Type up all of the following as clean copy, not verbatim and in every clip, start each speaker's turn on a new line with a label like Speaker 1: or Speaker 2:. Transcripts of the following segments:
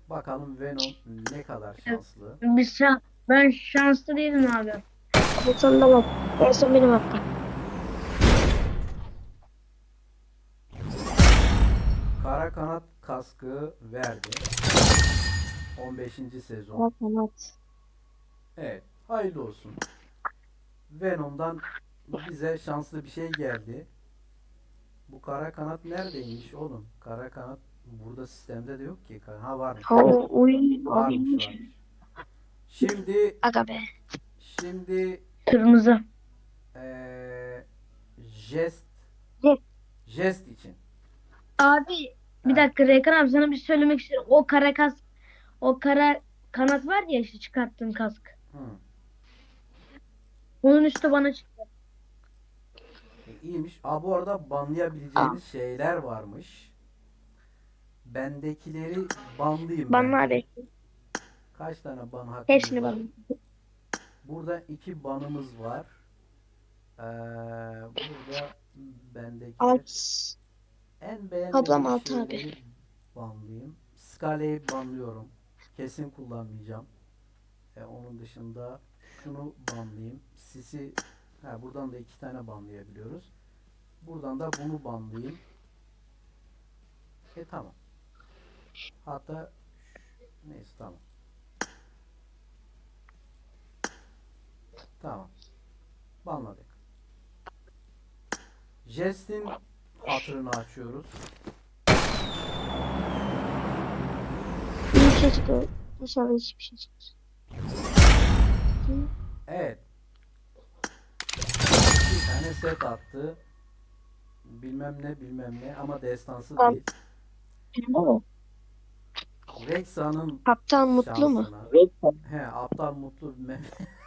Speaker 1: Bakalım Venom ne kadar
Speaker 2: Evet.
Speaker 1: şanslı.
Speaker 2: Ben şanslı değilim abi.
Speaker 3: En sonunda bak. En son benim hakkım.
Speaker 1: Kara kanat kaskı verdi. 15. sezon.
Speaker 3: Evet, evet.
Speaker 1: Evet, hayırlı olsun. Venom'dan bize şanslı bir şey geldi. Bu kara kanat neredeymiş oğlum? Kara kanat burada sistemde de yok ki. Ha varmış.
Speaker 3: Ha, uy, abi
Speaker 1: Varmış
Speaker 3: iyiymiş.
Speaker 1: varmış. Şimdi
Speaker 3: Aga be.
Speaker 1: şimdi
Speaker 2: Kırmızı.
Speaker 1: eee jest
Speaker 3: Yes.
Speaker 1: jest için.
Speaker 2: Abi bir
Speaker 1: Heh,
Speaker 2: dakika Rekan abi sana bir şey söylemek istiyorum. O kara kanat var ya işte çıkarttığın kask.
Speaker 1: hı.
Speaker 2: Onun üstü bana çıktı.
Speaker 1: İyiymiş. Bu arada
Speaker 3: Aa,
Speaker 1: banlayabileceğimiz şeyler varmış. Bendekileri banlayayım
Speaker 3: bana
Speaker 1: bence.
Speaker 3: abi.
Speaker 1: Kaç tane ban hakkımız
Speaker 3: Hepsini
Speaker 1: var?
Speaker 3: bana.
Speaker 1: Burada 2 banımız var. Burada bendekiler.
Speaker 3: Alt.
Speaker 1: En
Speaker 3: Toplam
Speaker 1: beğenmediğim
Speaker 3: 6 abi.
Speaker 1: şeyleri banlayayım. Scala'yı banlıyorum. Kesin kullanmayacağım. Onun dışında şunu banlayayım. Buradan da 2 tane banlayabiliyoruz. Buradan da bunu banlayayım. Tamam. Hatta neyse tamam. Tamam. Banladık. Jest'in hatırını açıyoruz.
Speaker 3: İyi bir şey çıkıyor. İnşallah hiçbir şey çıkmaz.
Speaker 1: Evet. Bir tane set attı. Bilmem ne bilmem ne ama destansı
Speaker 3: Tamam.
Speaker 1: değil.
Speaker 3: Oo.
Speaker 1: Rexa'nın
Speaker 3: Kaptan mutlu mu?
Speaker 1: şansına. Aptal mutlu bilmem.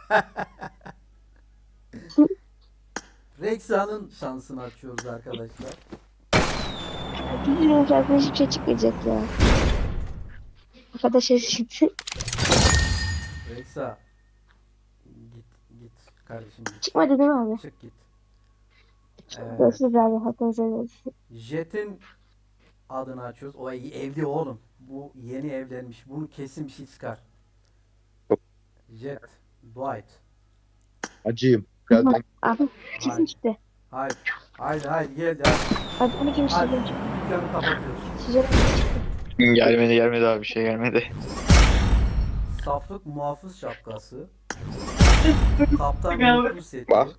Speaker 1: Rexa'nın şansını açıyoruz arkadaşlar.
Speaker 3: Bilmiyorum zaten hiçbir şey çıkmayacak ya. O kadar şey çıktı.
Speaker 1: Rexa git git kardeşim git.
Speaker 3: Çıkmadı değil mi abi?
Speaker 1: Çık git.
Speaker 3: Görüşürüz abi. Hakkınızı helal olsun.
Speaker 1: Jet'in adını açıyoruz. O evli oğlum. Bu yeni evlenmiş. Bunu kesin bir şey çıkar. Jet. Dwight.
Speaker 4: Acıyım. Geldim.
Speaker 3: Abi kesin
Speaker 1: Hayır.
Speaker 3: çıktı.
Speaker 1: Hayır. Hayır hayır geldi hadi.
Speaker 3: Abi 12.
Speaker 1: Hadi.
Speaker 3: sezon çıktı.
Speaker 1: Dükkanı kapatıyoruz.
Speaker 3: Sezon çıktı.
Speaker 4: Gelmedi abi bir şey gelmedi.
Speaker 1: Saflık muhafız şapkası. Kaptan Mutlu seti.
Speaker 4: Bak.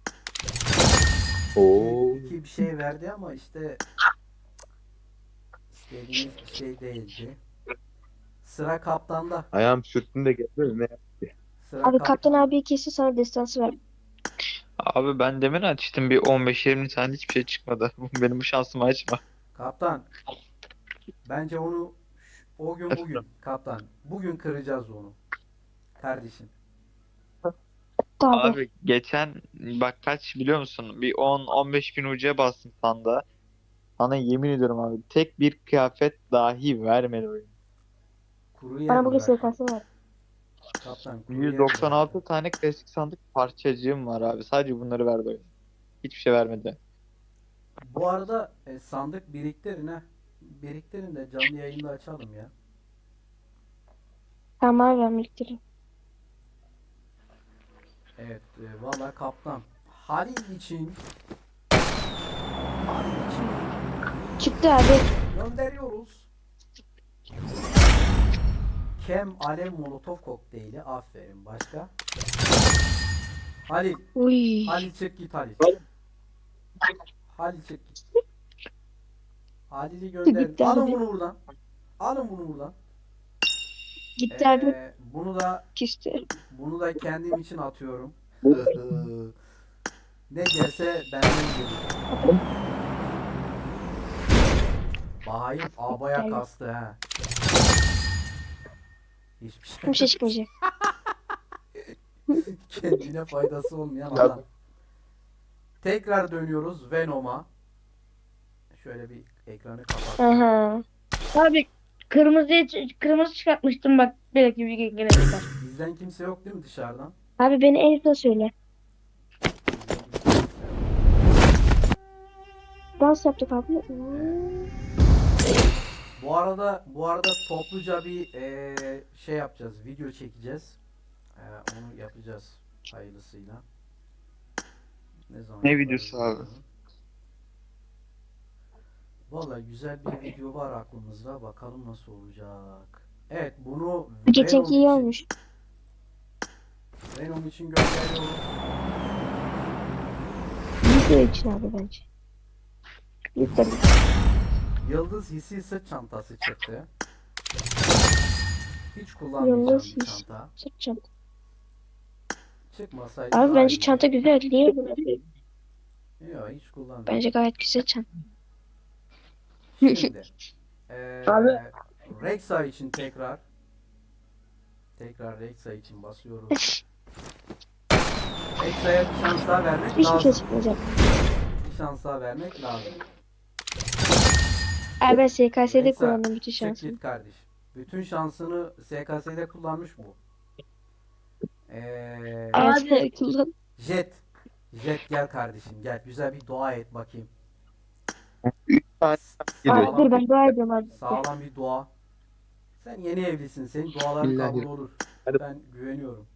Speaker 4: Oo.
Speaker 1: İki bir şey verdi ama işte istediğimiz bir şey değildi. Sıra kaptanda.
Speaker 4: Ayağım sürttüm de gelmedi. Ne?
Speaker 1: Sıra
Speaker 3: Abi
Speaker 1: kap
Speaker 3: kaptan abiye kesin sana destansı ver.
Speaker 5: Abi ben demin açtım bir 15-20 tane hiçbir şey çıkmadı. Benim bu şansımı açma.
Speaker 1: Kaptan. Bence onu o gün bugün kaptan. Bugün kıracağız onu. Kardeşim.
Speaker 3: Tabii.
Speaker 5: Abi geçen bak kaç biliyor musun? Bir 10-15 bin ucuya bastım sanda. Sana yemin ediyorum abi tek bir kıyafet dahi vermedi oyun.
Speaker 1: Kuru yer
Speaker 3: Bana
Speaker 1: mi
Speaker 3: bugün
Speaker 1: bıraktın?
Speaker 3: SKS ver.
Speaker 1: Kaptan kuru yer mi bıraktın?
Speaker 5: 196 tane klasik sandık parçacığım var abi. Sadece bunları verdi oyun. Hiçbir şey vermedi.
Speaker 1: Bu arada sandık biriktirin ha. Biriktirin de canlı yayında açalım ya.
Speaker 3: Tamam abi ben biriktireyim.
Speaker 1: Evet, valla kaptan. Halil için
Speaker 3: Çıktı abi.
Speaker 1: gönderiyoruz. Kem Alev Molotov kokteyli. Aferin. Başka? Halil.
Speaker 3: Uy.
Speaker 1: Halil çık git Halil. Halil çık git. Halil'i gönderin.
Speaker 3: Gitti
Speaker 1: Alın
Speaker 3: abi.
Speaker 1: bunu buradan. Alın bunu buradan.
Speaker 3: Gitti abi. Küstü.
Speaker 1: Bunu da kendim için atıyorum. Ne gelse benden gelir. Bahayım abaya kastı ha. Hiçbir
Speaker 3: Hiçbir şey
Speaker 1: şey.
Speaker 3: çıkmayacak.
Speaker 1: Kendine faydası olmayan adam. Tekrar dönüyoruz Venom'a. Şöyle bir ekranı kapattım.
Speaker 3: Aha.
Speaker 2: Abi kırmızı çıkartmıştım bak. Belki bir gene çıkar.
Speaker 1: Bizden kimse yok değil mi dışarıdan?
Speaker 3: Abi beni en son söyle.
Speaker 1: Bizden kimse yok.
Speaker 3: Dans yaptık abi.
Speaker 1: Evet. Bu arada topluca bir şey yapacağız. Video çekeceğiz. Onu yapacağız hayırlısıyla. Ne zaman
Speaker 5: Ne
Speaker 1: yaparız
Speaker 5: videosu abi?
Speaker 1: bilmiyorum. Vallahi güzel bir video var aklımızda. Bakalım nasıl olacak. Evet, bunu
Speaker 3: Geçenki iyi olmuş.
Speaker 1: Venom için gönderiyoruz.
Speaker 3: Video için abi bence. Yükledim.
Speaker 1: Yıldız hissi sırt çantası çıktı. Hiç kullanmayacağım
Speaker 3: Yıldız
Speaker 1: bir
Speaker 3: hissi.
Speaker 1: çanta.
Speaker 3: Sırt çanta.
Speaker 1: Çıkmasaydı
Speaker 3: Abi
Speaker 1: daha
Speaker 3: bence
Speaker 1: iyiydi.
Speaker 3: çanta güzel değil mi?
Speaker 1: Yok, hiç kullanmıyorum.
Speaker 3: Bence gayet güzel çanta.
Speaker 1: Şimdi
Speaker 2: Abi.
Speaker 1: Rexa için tekrar Rexa için basıyoruz. Rexa'ya bir şans daha vermek
Speaker 3: Hiçbir şey
Speaker 1: lazım.
Speaker 3: çıkmayacak.
Speaker 1: Bir şans daha vermek lazım.
Speaker 3: Abi ben SKS'de
Speaker 1: Rexa,
Speaker 3: kullandım bütün
Speaker 1: çık
Speaker 3: şansımı.
Speaker 1: git kardeş. Bütün şansını SKS'de kullanmış bu.
Speaker 2: Abi.
Speaker 3: Evet kullan.
Speaker 1: Jet gel kardeşim gel. Güzel bir dua et bakayım.
Speaker 3: Abi
Speaker 1: Sağlam,
Speaker 3: dur ben dua ediyorum abi.
Speaker 1: sağlam bir dua. Sen yeni evlisin. Senin duaların kabul olur.
Speaker 4: Hadi.
Speaker 1: Ben güveniyorum.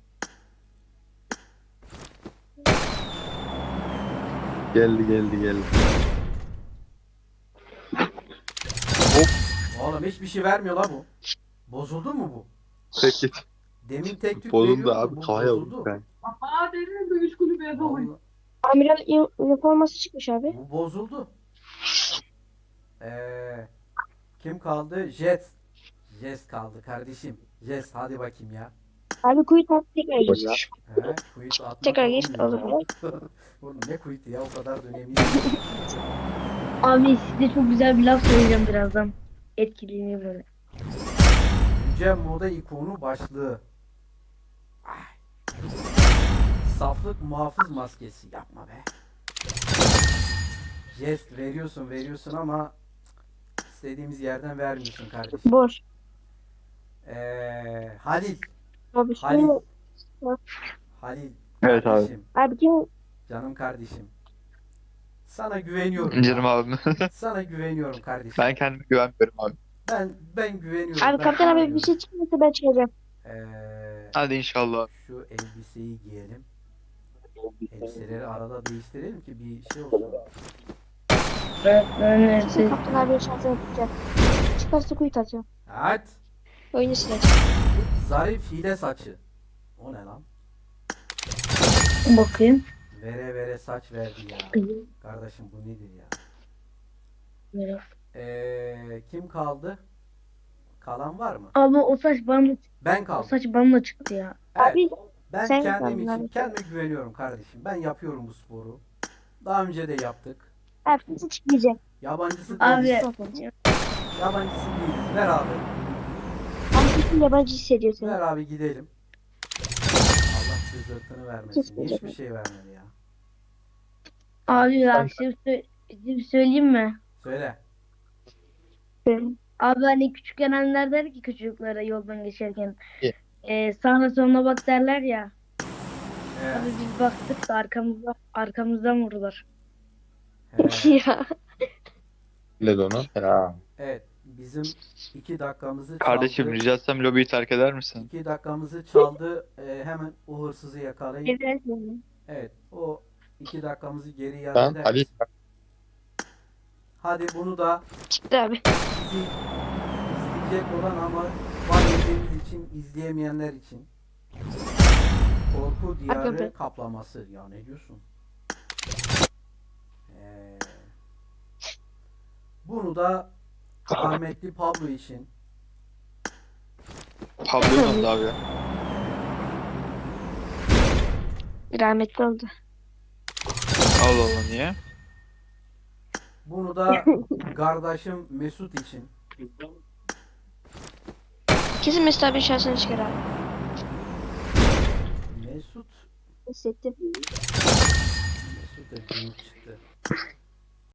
Speaker 4: Geldi.
Speaker 1: Oğlum hiçbir şey vermiyor la bu. Bozuldu mu bu?
Speaker 4: Peki.
Speaker 1: Demin tek tük
Speaker 4: Bozuldu
Speaker 1: veriyordu,
Speaker 4: abi.
Speaker 1: bu
Speaker 4: Kaya
Speaker 1: bozuldu.
Speaker 4: oldu. Ben.
Speaker 1: Vallahi
Speaker 3: Amiral üniforması çıkmış abi.
Speaker 1: bu bozuldu. Kim kaldı? Jet. Jet kaldı kardeşim. Jet hadi bakayım ya.
Speaker 3: Abi kuyut attı tekrar geliyor.
Speaker 1: Quit atmak
Speaker 3: Tekrar geç
Speaker 1: olmuyor.
Speaker 3: olur.
Speaker 1: Oğlum ne quit'i ya, o kadar da önemli.
Speaker 2: Abi size çok güzel bir laf söyleyeceğim birazdan. Etkileniyor böyle.
Speaker 1: Yüce moda ikonu başlığı. Ay. Saflık muhafız maskesi yapma be. Jest veriyorsun ama istediğimiz yerden vermiyorsun kardeşim.
Speaker 3: Boş.
Speaker 1: Halil.
Speaker 3: Abi
Speaker 1: Halil.
Speaker 3: şunu.
Speaker 1: Halil.
Speaker 5: Evet abi.
Speaker 1: Kardeşim,
Speaker 3: Abi kim?
Speaker 1: canım kardeşim. Sana güveniyorum.
Speaker 5: Canım
Speaker 1: ya.
Speaker 5: abim.
Speaker 1: Sana güveniyorum kardeşim.
Speaker 5: Ben kendime güvenmiyorum abi.
Speaker 1: Ben güveniyorum.
Speaker 3: Abi
Speaker 1: ben
Speaker 3: kaptan abi bir
Speaker 1: güveniyorum.
Speaker 3: şey çıkmasa ben çıkacağım.
Speaker 5: Hadi inşallah.
Speaker 1: Şu elbiseyi giyelim. Elbiseleri arada değiştirelim ki bir şey olsun.
Speaker 2: Ben
Speaker 3: Kesin kaptan abi şansını tutacak. Çıkarsa kuyut atacağım.
Speaker 1: Evet.
Speaker 3: Oyunu sileceğim.
Speaker 1: Zarif hile saçı. O ne lan?
Speaker 2: bakayım.
Speaker 1: Vere saç verdi ya. Kardeşim bu nedir ya? Kim kaldı? Kalan var mı?
Speaker 2: Abi o saç bana
Speaker 1: Ben
Speaker 2: o
Speaker 1: kaldım.
Speaker 2: saç bana çıktı ya.
Speaker 1: Evet.
Speaker 3: Abi
Speaker 1: Ben
Speaker 3: sen
Speaker 1: kendim
Speaker 3: kaldın
Speaker 1: için
Speaker 3: abi.
Speaker 1: kendime güveniyorum kardeşim. Ben yapıyorum bu sporu. Daha önce de yaptık.
Speaker 3: abi kesin çıkmayacak.
Speaker 1: Yabancısı
Speaker 2: Abi.
Speaker 1: değiliz.
Speaker 3: Abi
Speaker 1: Yabancısı değiliz. Ver abi.
Speaker 3: kesin yabancı hissediyor seni.
Speaker 1: Ver abi gidelim. Allah rızırtını vermesin.
Speaker 3: Kesinlikle.
Speaker 1: Hiçbir şey vermedi ya.
Speaker 2: Abi ya bir şey söyleyeyim mi?
Speaker 1: Söyle.
Speaker 2: Abi hani küçükken anneler der ki çocuklara yoldan geçerken
Speaker 4: İyi.
Speaker 2: sağına soluna bak derler ya.
Speaker 1: He,
Speaker 2: Abi biz baktık da arkamızdan vurdular.
Speaker 1: he.
Speaker 3: Ya.
Speaker 4: Ne de onu? Ya.
Speaker 1: Evet. Bizim 2 dakikamızı
Speaker 5: Kardeşim
Speaker 1: çaldı.
Speaker 5: rica etsem lobiyi terk eder misin?
Speaker 1: 2 dakikamızı çaldı. Hemen o hırsızı yakalayın.
Speaker 3: Evet.
Speaker 1: Evet. O 2 dakikamızı geri iade
Speaker 4: Tamam
Speaker 1: eder
Speaker 4: Ali.
Speaker 1: misin? Hadi bunu da
Speaker 3: Çıktı abi.
Speaker 1: bizi izleyecek olan ama var yediğimiz için izleyemeyenler için Korku Diyarı
Speaker 3: Hakikaten.
Speaker 1: kaplaması. Ya ne diyorsun? Bunu da rahmetli Pablo için
Speaker 5: Pablo'yu oldu abi ya.
Speaker 3: Rahmetli oldu.
Speaker 5: Allah Allah niye?
Speaker 1: bunu da kardeşim Mesut için.
Speaker 3: Kesin Mesut abi şansını çıkar abi.
Speaker 1: Mesut
Speaker 3: Hissettim.
Speaker 1: da günlük çıktı.